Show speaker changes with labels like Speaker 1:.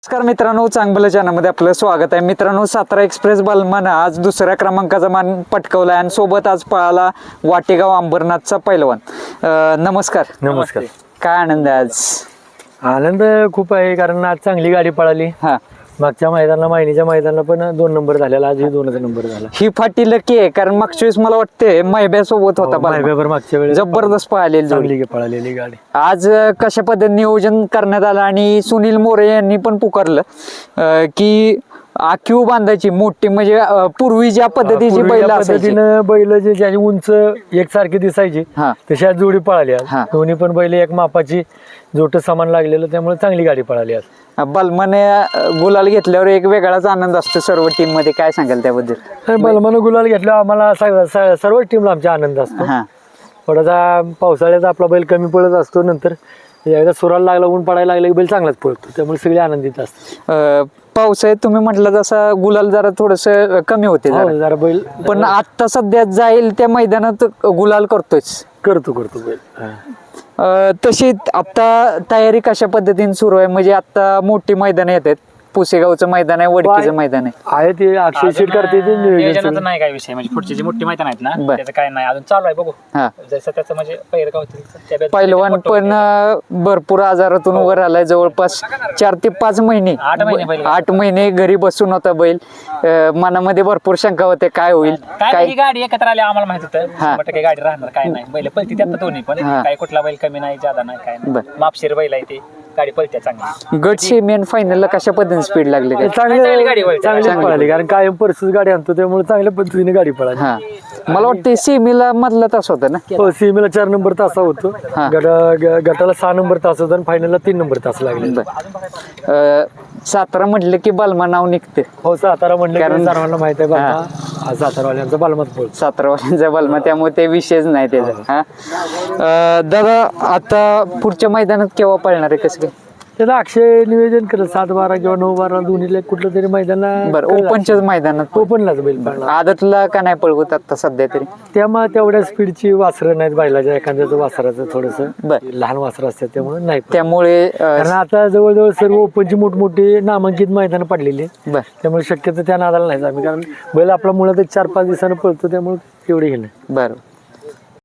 Speaker 1: नमस्कार मित्रांनो, चांगलं चॅनलमध्ये आपलं स्वागत आहे. मित्रांनो, सातारा एक्सप्रेस बलमानं आज दुसऱ्या क्रमांकाचा मान पटकावला आणि सोबत आज पळाला वाटेगाव अंबरनाथचा पैलवान. नमस्कार.
Speaker 2: नमस्कार.
Speaker 1: काय आनंद आहे आज?
Speaker 2: आनंद खूप आहे, कारण आज चांगली गाडी पळाली.
Speaker 1: हा,
Speaker 2: मागच्या मैदानाला मायनीच्या मैदानाला पण 2 नंबर झालेला, आजही 2चा नंबर झाला.
Speaker 1: ही फाटी लकी आहे, कारण मागच्या वेळेस मला वाटते मैब्या सोबत होता बलमा.
Speaker 2: मायबेबर मागच्या वेळेस
Speaker 1: जबरदस्त पळालेली जोडी.
Speaker 2: चांगली पळालेली गाडी.
Speaker 1: आज कशा पद्धतीने नियोजन करण्यात आलं आणि सुनील मोरे यांनी पण पुकारलं की आखीव बांधायची मोठी, म्हणजे पूर्वी ज्या पद्धतीची बैल असायची,
Speaker 2: पद्धतीनं बैल जे ज्याची उंच एकसारखी दिसायची
Speaker 1: हा,
Speaker 2: तशी आज जोडी पळाली. आज
Speaker 1: हा.
Speaker 2: दोन्ही पण बैल एक मापाची जोट समान लागलेलं, त्यामुळे चांगली गाडी पळाली आज.
Speaker 1: बलमाने गुलाल घेतल्यावर एक वेगळाच आनंद असतो सर्व टीम मध्ये. काय सांगाल त्याबद्दल?
Speaker 2: तर बलमानं गुलाल घेतल्यावर आम्हाला सर्व टीमला आमचा आनंद असतो.
Speaker 1: हा,
Speaker 2: थोडासा पावसाळ्यात आपला बैल कमी पडत असतो, नंतर एकदा सुराला लागला, ऊन पडायला लागला की बैल चांगलाच पळतो, त्यामुळे सगळे आनंदित असतात.
Speaker 1: पावसाळ्यात तुम्ही म्हटलं जसं गुलाल जरा थोडस कमी होते जरा.
Speaker 2: जरा बैल
Speaker 1: पण आता सध्या जाईल त्या मैदानात गुलाल करतोच.
Speaker 2: करतो बैल.
Speaker 1: तशी आता तयारी कशा पद्धतीने सुरू आहे? म्हणजे आता मोठी मैदान येत आहेत, पुसेगावचं मैदान आहे, वडकीचं मैदान आहे
Speaker 2: ते अक्षय सीट करते ते
Speaker 3: नियोजनाचा नाही काय विषय, म्हणजे पुढची जी मोठी मैदान आहेत ना
Speaker 1: बर.
Speaker 3: त्याचं काय नाही अजून चालू आहे, बघू
Speaker 1: हा.
Speaker 3: जसं त्याचं म्हणजे पहिलं काय होतं
Speaker 1: पहिलवान पण भरपूर आजारातून उभं राहिलाय. जवळपास 4 ते 5 महिने 8 महिने घरी बसून होता बैल. मनामध्ये भरपूर शंका होते काय होईल
Speaker 3: काय ही गाडी एकत्र आली आम्हाला माहित होतं
Speaker 1: हा.
Speaker 3: 100% गाडी राहणार काय नाही. बैल पलती त्यात दोन्ही पण
Speaker 1: हा.
Speaker 3: काय कुठला बैल कमी नाही ज्यादा नाही काय
Speaker 1: बर.
Speaker 3: नाही, मापशीर बैल आहे ते, गाडी पलत्या चांगली.
Speaker 1: गट सेमी आणि फायनलला कशा पद्धतीने स्पीड लागली काय?
Speaker 3: चांगली गाडी पळते.
Speaker 2: चांगली पळाली, कारण कायम परसूच गाडी आणतो, त्यामुळे चांगल्या पद्धतीने गाडी पळाली.
Speaker 1: हा, मला वाटतं सेमीला मधला तास होता ना.
Speaker 2: हो, सीमेला 4 नंबर तासा होतो,
Speaker 1: हा.
Speaker 2: गटाला 6 नंबर तास होता आणि फायनलला 3 नंबर तास लागले.
Speaker 1: सातारा म्हटलं की बलमा नाव निघते.
Speaker 2: हो, सातारा म्हणलं
Speaker 1: कारण-
Speaker 2: कारण सर्वांना माहित आहे बाबा, हा सातारावाल्यांचा बालमत पळतो.
Speaker 1: सातारावाल्यांचा बलमा, त्यामुळे ते विषयच नाही त्याचा. हा, दादा आता पुढच्या मैदानात केव्हा पळणार आहे, कसं काय?
Speaker 2: त्याला अक्षय नियोजन करत 7-12 किंवा 9-12 दोन्हीला कुठलं तरी मैदान.
Speaker 1: बरं, ओपनच्याच मैदानात
Speaker 2: ओपनलाच बैल पळणार.
Speaker 1: आदतला का नाही पळवत आता सध्या तरी?
Speaker 2: त्यामुळे तेवढ्या स्पीडची वासरं नाहीत बैलाच्या, एखाद्याचं वासराचं थोडस
Speaker 1: बर.
Speaker 2: लहान वासरं असतात, त्यामुळे नाही पळत.
Speaker 1: त्यामुळे
Speaker 2: कारण आता जवळजवळ सर्व ओपनची मोठमोठी नामांकित मैदान पडलेली आहेत.
Speaker 1: बर
Speaker 2: त्यामुळे शक्यतो त्या नादाला नाही आम्ही, कारण बैल आपला मुळात 4-5 दिवसानं पळतो, त्यामुळे एवढी हे नाही.
Speaker 1: बरं.